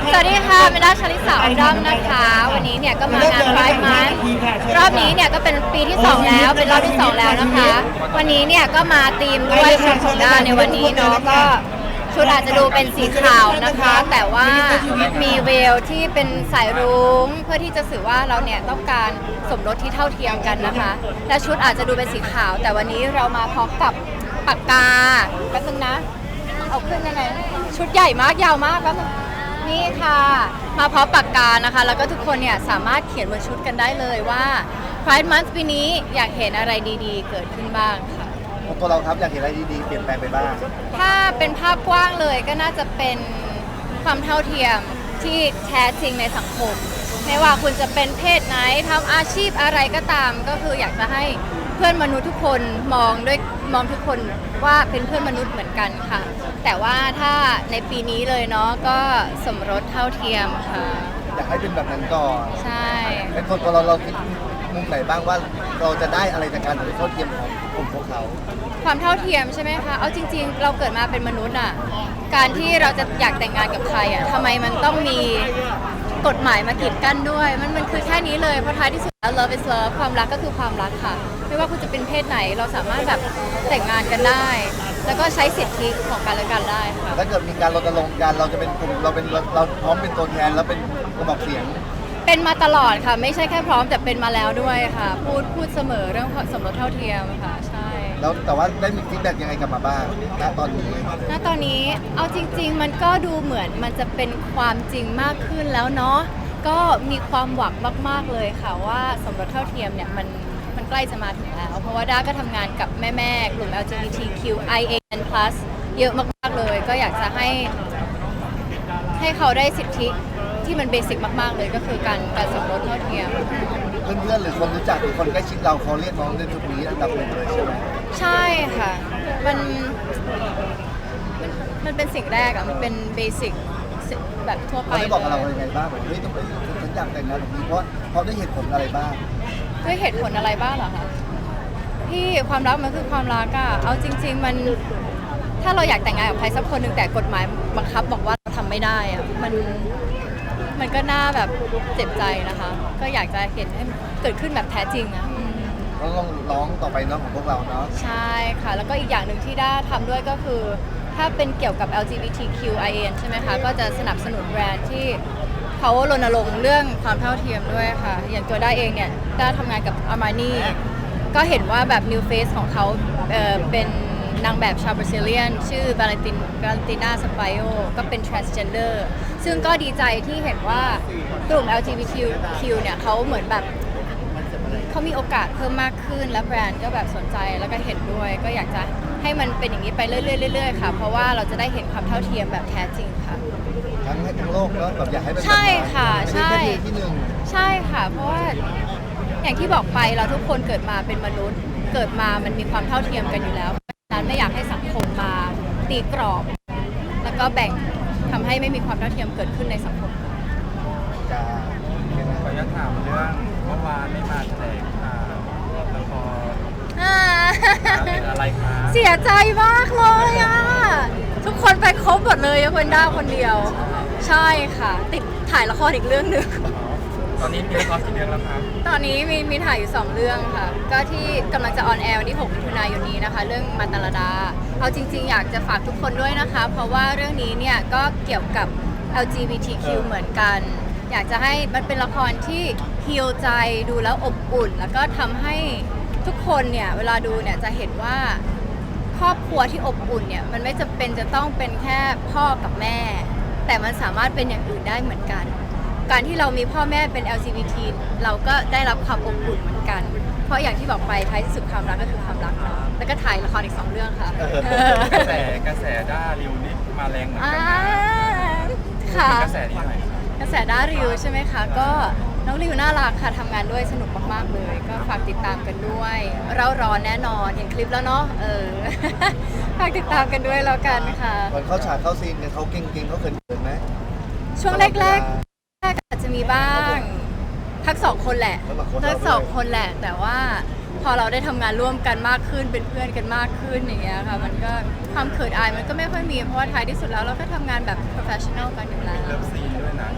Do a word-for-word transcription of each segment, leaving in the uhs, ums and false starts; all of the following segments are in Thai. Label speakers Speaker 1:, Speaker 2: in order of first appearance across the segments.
Speaker 1: สวัสดีค่ะเมด้าชลิสาอุดมนะคะ วันนี้เนี่ยก็มางานไฟร์มันรอบนี้เนี่ยก็เป็นปีที่สองแล้วเป็นรอบที่สองแล้วนะคะ วันนี้เนี่ยก็มาธีมด้วยชุดของด้าในวันนี้เนาะก็ชุดอาจจะดูเป็นสีขาวนะคะ แต่ว่ามีเวลที่เป็นสายรุ้งเพื่อที่จะสื่อว่าเราเนี่ยต้องการสมรสที่เท่าเทียมกันนะคะ และชุดอาจจะดูเป็นสีขาว แต่วันนี้เรามาพร้อมกับปากกาแป๊บนึงนะเอาขึ้นยังไงชุดใหญ่มากยาวมากแป๊บนึงนี่ค่ะมาพร้อมปากกานะคะแล้วก็ทุกคนเนี่ยสามารถเขียนบนชุดกันได้เลยว่า Pride Month ปีนี้อยากเห็นอะไรดีๆเกิดขึ้นบ้างค่ะ
Speaker 2: ตัวเราครับอยากเห็นอะไรดีๆเปลี่ยนแปลงไปบ้าง
Speaker 1: ถ้าเป็นภาพกว้างเลยก็น่าจะเป็นความเท่าเทียมที่แท้จริงในสังคมไม่ว่าคุณจะเป็นเพศไหนทำอาชีพอะไรก็ตามก็คืออยากจะให้เพื่อนมนุษย์ทุกคนมองด้วยมองทุกคนว่าเป็นเพื่อนมนุษย์เหมือนกันค่ะแต่ว่าถ้าในปีนี้เลยเนาะก็สมรสเท่าเทียมค่ะ
Speaker 2: อยากให้เป็นแบบนั้นก่อน
Speaker 1: ใช่
Speaker 2: เป็นคนตัวเราเราคิดมุมไหนบ้างว่าเราจะได้อะไรจากการสมรสเท่าเทียมของกลุ่มพวกเขา
Speaker 1: ความเท่าเทียมใช่ไหมคะเอาจริงๆเราเกิดมาเป็นมนุษย์อ่ะการที่เราจะอยากแต่งงานกับใครอ่ะทำไมมันต้องมีกฎหมายมากีดกั้นด้วยมันมันคือแค่นี้เลยเพราะท้ายที่สุดแล้ว love is love ความรักก็คือความรักค่ะไม่ว่าคุณจะเป็นเพศไหนเราสามารถแบบแต่งงานกันได้แล้วก็ใช้สิทธิของกันและกันได้ค่ะ
Speaker 2: ถ้าเกิดมีการรณรงค์กันเราจะเป็นกลุ่มเราเป็นเราพร้อมเป็นตัวแทนแล้วเป็นกระบอกเสียง
Speaker 1: เป็นมาตลอดค่ะไม่ใช่แค่พร้อมแต่เป็นมาแล้วด้วยค่ะพูดพูดเสมอเรื่องสมรสเท่าเทียมค่ะใช่
Speaker 2: แล้วแต่ว่าได้มีฟีดแบ็กยังไงกลับมาบ้างณตอนนี้
Speaker 1: ณตอนนี้เอาจริงๆมันก็ดูเหมือนมันจะเป็นความจริงมากขึ้นแล้วเนาะก็มีความหวังมากๆเลยค่ะว่าสมรสเท่าเทียมเนี่ยมันมันใกล้จะมาถึงแล้วเพราะว่าด้าก็ทำงานกับแม่ๆกลุ่ม แอล จี บี ที คิว ไอ เอ็น พลัส เยอะมากๆเลยก็อยากจะให้ให้เขาได้สิทธิที่มันเบสิกมากๆเลยก็คือการการสมรสเท่าเทียม
Speaker 2: เพื่อนๆหรือคนรู้จักหรือคนใกล้ชิดเราเขาเรียกน้องในจุดนี้อันดับหนึ่งเลยใช่ไหม
Speaker 1: ใช่ค่ะมันมันมันเป็นสิ่งแรกอะมันเป็นเบสิกแบบทั่วไป
Speaker 2: เขาได้บอกกับเราอะไรบ้างแบบเฮ้ยต้องไปฉันอยากแต่งงานแบบนี้เพราะเขาได้เหตุผลอะไรบ้าง
Speaker 1: ด้วยเหตุผลอะไรบ้างเหรอคะพี่ความรักมันคือความรักอะเอาจริงๆมันถ้าเราอยากแต่งงานกับใครสักคนหนึ่งแต่กฎหมายบังคับบอกว่าเราทำไม่ได้อะมันมันก็น่าแบบเจ็บใจนะคะก็อยากจะเห็นให้เกิดขึ้นแบบแท้จริงอะ
Speaker 2: ก็ลองร้องต่อไปเนาะของพวกเราเนาะ
Speaker 1: ใช่ค่ะแล้วก็อีกอย่างหนึ่งที่ด้าทำด้วยก็คือถ้าเป็นเกี่ยวกับ แอล จี บี ที คิว ไอ เอ็น ใช่ไหมคะก็จะสนับสนุนแบรนด์ที่เขารณรงค์เรื่องความเท่าเทียมด้วยค่ะอย่างตัวด้าเองเนี่ยด้าทำงานกับ Armani ก็เห็นว่าแบบ New Face ของเขาเอ่อเป็นนางแบบชาวบราซิเลียนชื่อบาเลตินบาเลติน่าสปายโอก็เป็น transgender ซึ่งก็ดีใจที่เห็นว่ากลุ่ม แอล จี บี ที คิว เนี่ยเขาเหมือนแบบเขามีโอกาสเพิ่มมากขึ้นและแบรนด์ก็แบบสนใจแล้วก็เห็นด้วยก็อยากจะให้มันเป็นอย่างนี้ไปเรื่อยๆๆค่ะเพราะว่าเราจะได้เห็นความเท่าเทียมแบบแท้จริงค่ะ
Speaker 2: ทั้งให้ทั้งโลกเนาะแบบอยากให้เป็น
Speaker 1: ใช่ค่ะใช่
Speaker 2: ที่หนึ่ง
Speaker 1: ใช่ค่ะเพราะว่าอย่างที่บอกไปเราทุกคนเกิดมาเป็นมนุษย์เกิดมามันมีความเท่าเทียมกันอยู่แล้วเพราะฉะนั้นไม่อยากให้สังคมมาตีกรอบแล้วก็แบ่งทำให้ไม่มีความเท่าเทียมเกิดขึ้นในสังคม
Speaker 2: จะ
Speaker 3: ขออนุญาตถามเรื่องเมื่อวานไม่มาแถลงข่าวละครอะไรคะ
Speaker 1: เสียใจมากเลยอ่ะทุกคนไปครบหมดเลยยกเว้นด้าคนเดียวใช่ค่ะติดถ่ายละครอีกเรื่องหนึ่ง
Speaker 3: ตอนนี้มีละครกี่เรื่องแล้วครับ
Speaker 1: ตอนนี้มีมีถ่ายอยู่สองเรื่องค่ะก็ที่กำลังจะออนแอร์วันที่หกมิถุนายนนี้นะคะเรื่องมาตาลดาเอาจริงๆอยากจะฝากทุกคนด้วยนะคะเพราะว่าเรื่องนี้เนี่ยก็เกี่ยวกับ แอล จี บี ที คิว เหมือนกันอยากจะให้มันเป็นละครที่ฮีลใจดูแล้วอบอุ่นแล้วก็ทำให้ทุกคนเนี่ยเวลาดูเนี่ยจะเห็นว่าครอบครัวที่อบอุ่นเนี่ยมันไม่จำเป็นจะต้องเป็นแค่พ่อกับแม่แต่มันสามารถเป็นอย่างอื่นได้เหมือนกันการที่เรามีพ่อแม่เป็น แอล จี บี ที เราก็ได้รับความอบอุ่นเหมือนกันเพราะอย่างที่บอกไปท้ายที่สุดความรักก็คือความรักเนาะแล้วก็ถ่ายละครอีกสองเรื่องค่ะ
Speaker 3: กระแสกระแสด้าริวนี่มาแรงเหมือนกันนะ
Speaker 1: ค่ะ
Speaker 3: กระแสนี้หน่อย
Speaker 1: กระแสด้าริวใช่ไหมคะก็น้องริวน่ารักค่ะทำงานด้วยสนุกมากๆเลยก็ฝากติดตามกันด้วยเราร้อนแน่นอนเห็นคลิปแล้วเนาะเออฝากติดตามกันด้วยแล้วกันค่ะ
Speaker 2: วันเข้าฉากเข้าซีนเนี่ยเขาเก่งๆเขาเขินๆไหม
Speaker 1: ช่วงแรกๆแรกอาจจะมีบ้างทั้งสองคนแหละทั้งสองคนแหละแต่ว่าพอเราได้ทำงานร่วมกันมากขึ้นเป็นเพื่อนกันมากขึ้นอย่างเงี้ยค่ะมันก็ความเขินอายมันก็ไม่ค่อยมีเพราะว่าท้ายที่สุดแล้วเราก็ทำงานแบบ professional กันอยู่แล้ว
Speaker 3: เลิฟซีนด้วยนะ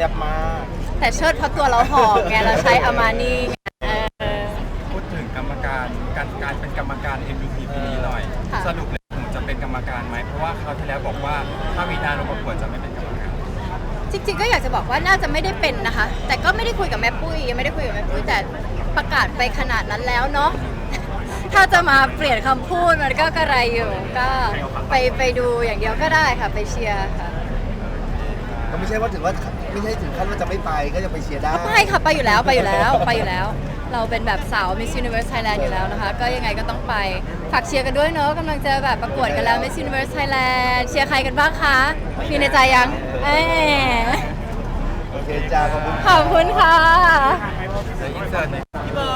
Speaker 2: ซ่บมาก
Speaker 1: แต่เชิดเพราะตัวเราหอมไงเราใช้อามานี่ไงเออ
Speaker 3: พูดถึงกรรมการการการเป็นกรรมการ เอ็ม วี พี ปีนี้หน่อย
Speaker 1: ค่ะ
Speaker 3: สรุปเลยผมจะเป็นกรรมการไหมเพราะว่าคราวที่แล้วบอกว่าถ้ามีนาลงประกวดจะไม่เป็นกรรมการ
Speaker 1: จริงๆก็อยากจะบอกว่าน่าจะไม่ได้เป็นนะคะ แต่ก็ไม่ได้คุยกับแม่ปุ้ยยังไม่ได้คุยกับแม่ปุ้ยแต่ประกาศไปขนาดนั้นแล้วเนาะ ถ้าจะมาเปลี่ยนคำพูดมันก็กระไรอยู่ ก็ไปไปดูอย่างเดียวก็ได้ค่ะไปเชียร์ค่ะ
Speaker 2: ก็ไม่ใช่ว่าถึงว่าไม่ใช่ถึงขั้นว่าจะไม่ไปก็จะไปเชียร์ได้
Speaker 1: ไปค่ะไปอยู่แล้วไปอยู่แล้วไปอยู่แล้ว เราเป็นแบบสาว Miss Universe Thailand อยู่แล้วนะคะ ก็ยังไงก็ต้องไปฝากเชียร์กันด้วยเนาะกำลังจะแบบประกวดกันแล้ว Miss Universe Thailand เชียร์ใครกันบ้างคะมีในใจยังเอ๊ะ
Speaker 2: โอเคจ้าขอบคุณ
Speaker 1: ขอบคุณค่ะ
Speaker 3: เดี๋ยวอินเสิร์ตหน่อย